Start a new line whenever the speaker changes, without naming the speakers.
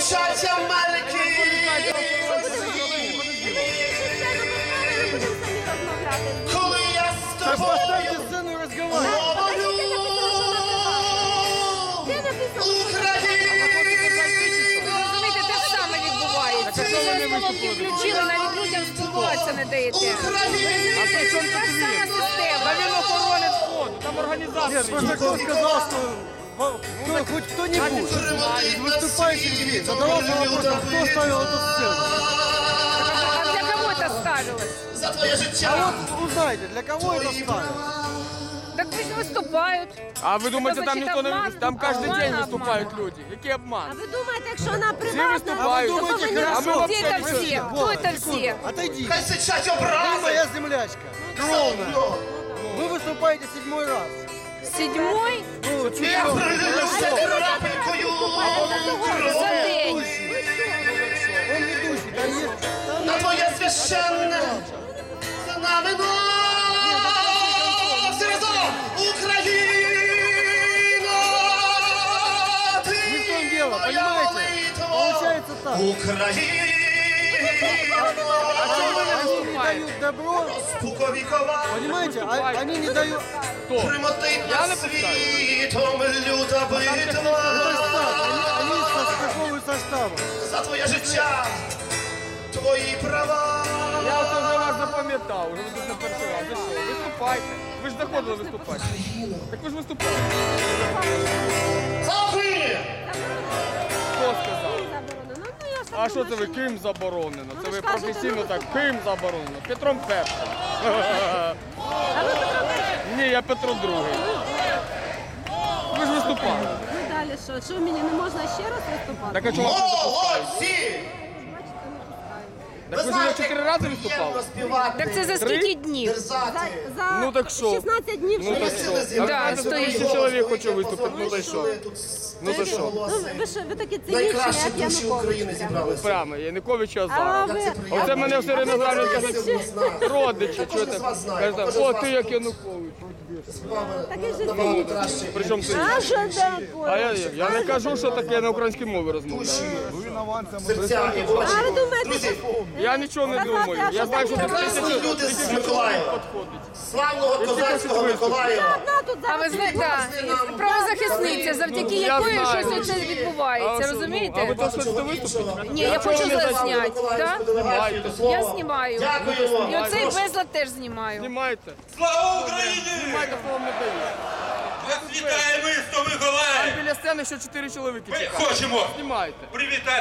Мовчать Америки. Коли я з тобою говорю,
Розумієте, те ж саме відбувається. Ви зараз колонки включили, навіть людям спілкуватися не даєте. Розумієте, це та ж сама система.
Да він охоронець входу, там організація.
Нет, просто кто сказал, что хоть кто-нибудь из выступающих задавался вопросом, кто ставил эту сцену.
А для кого це ставилось?
за твоє
А
життя.
вот узнайте, для кого это ставил?
Так пусть виступають.
А ви думаєте, там
Значить,
ніхто не
обман?
виступає? Там кожен
Обман,
день
обман.
виступають люди. Який
А
обман?
ви думаєте, якщо вона
Всі
приватна,
виступають.
то
думаєте,
повинна
хорошо.
А ми
Где это
вообще
все?
Вот,
Кто это все?
Отойди.
Хай сичать
Ты
образи.
моя землячка. Ровная. Вы выступаете 7-й раз.
Седьмой
Ну, чуть
Я прилюся крапелькою
за день.
Он ведущий, там есть...
на твоє священне знамено. Всі разом! Україна! Ти
Не в том дело,
моя
понимаете?
молитва.
Получается так.
Україна!
Они не дают добро,
Спуковікова,
понимаете? Они не дают...
Хто?
примотить
Я
над
не
світом люта
Это
битва.
штаб, они состыковываются штабом.
За твоє життя, твої права.
Я от вже вас запам'ятав, вже ви тут не перший раз. Ви що, виступайте. Ви ж заходили виступати. Так ви ж виступали.
За Україну!
Хто сказав?
заборонено. Ну, я ж
А що це ви
думаю,
ким заборонено? Це
ви
ви
ж кажете,
професійно
ну,
так, ким заборонено? Петром Першим.
А ви Петро Перший?
Ні, я Петро Другий. Ви ж виступали.
Ну далі що? Що мені не можна ще раз виступати?
Так а чого вас не запускають?
Молодці!
Так ви ж вже 4 рази виступали?
Так це за скільки днів?
За
Ну так що?
16 днів
Ну так
що?
що?
Да,
А
стоїть.
1000 чоловік хоче виступити, ну так що? Ну то що?
Ну, ви такі цинічні,
Найкращі
як
душі
Янукович.
України зібралися.
Прямо, Янукович
А
Азаров.
ви...
Оце мене все время згадують, кажуть,
знаєте,
родичі, що
Кожен з
це?
вас знає,
Кажуть,
кожен з
о,
вас
ти як Янукович.
таке ж
Набагато краще.
Причому ти?
А що таке?
А я не кажу, що таке, я на українській мові розмовляю.
Серця і очі.
А ви думаєте,
Друзі,
Я нічого не думаю. Я знаю, що тут
Прекрасні люди з
тисячі
Миколаєва.
підходить.
славного козацького Миколаєва.
одна тут
А
зараз
ви знаєте, да, правозахисниця, завдяки
Я
якої
знаю.
щось оце відбувається,
А ви
розумієте?
то хочете виступити?
Ні, я хочу зазняти, так?
Знімайте.
Я знімаю.
Дякуємо.
І оцей безлад теж знімаю.
Знімайте.
Слава Україні!
Знімайте, хто вам не дає.
Вас вітає місто Миколаїв!
Біля сцени ще 4 чоловіки
Ми
чекають.
хочемо
Знімайте.
привітати